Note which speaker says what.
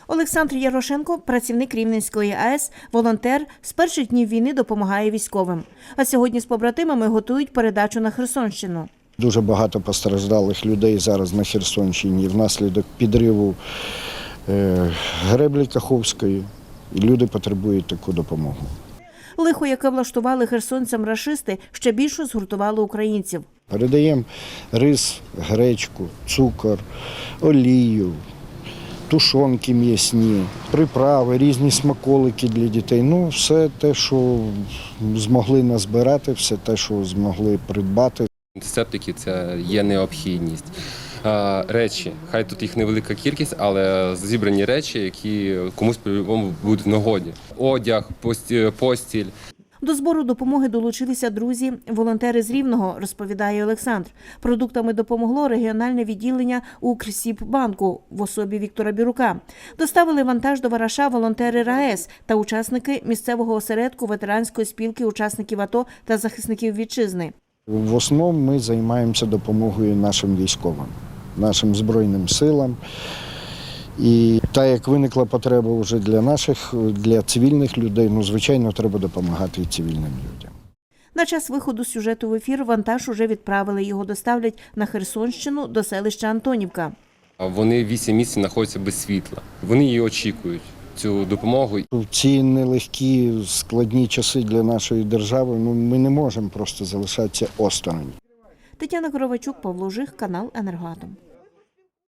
Speaker 1: Олександр Ярошенко – працівник Рівненської АЕС, волонтер, з перших днів війни допомагає військовим. А сьогодні з побратимами готують передачу на Херсонщину.
Speaker 2: Дуже багато постраждалих людей зараз на Херсонщині внаслідок підриву греблі Каховської. І люди потребують таку допомогу.
Speaker 1: Лихо, яке влаштували херсонцям рашисти, ще більше згуртувало українців.
Speaker 2: Передаємо рис, гречку, цукор, олію, тушонки м'ясні, приправи, різні смаколики для дітей. Ну, все те, що змогли назбирати, все те, що змогли придбати.
Speaker 3: Антисептики – це є необхідність. Речі, хай тут їх невелика кількість, але зібрані речі, які комусь по-любому будуть в нагоді. Одяг, постіль.
Speaker 1: До збору допомоги долучилися друзі, волонтери з Рівного, розповідає Олександр. Продуктами допомогло регіональне відділення Укрсіббанку в особі Віктора Бірука. Доставили вантаж до Вараша волонтери РаЕС та учасники місцевого осередку ветеранської спілки учасників АТО та захисників вітчизни.
Speaker 2: В основному ми займаємося допомогою нашим військовим, нашим Збройним силам. І так як виникла потреба вже для цивільних людей, ну, звичайно, треба допомагати і цивільним людям.
Speaker 1: На час виходу сюжету в ефір вантаж уже відправили. Його доставлять на Херсонщину до селища Антонівка.
Speaker 3: Вони 8 місяців знаходяться без світла. Вони її очікують, цю допомогу.
Speaker 2: В ці нелегкі, складні часи для нашої держави ми не можемо просто залишатися осторонь.
Speaker 1: Тетяна Коровачук, Павло Жих, канал «Енергоатом».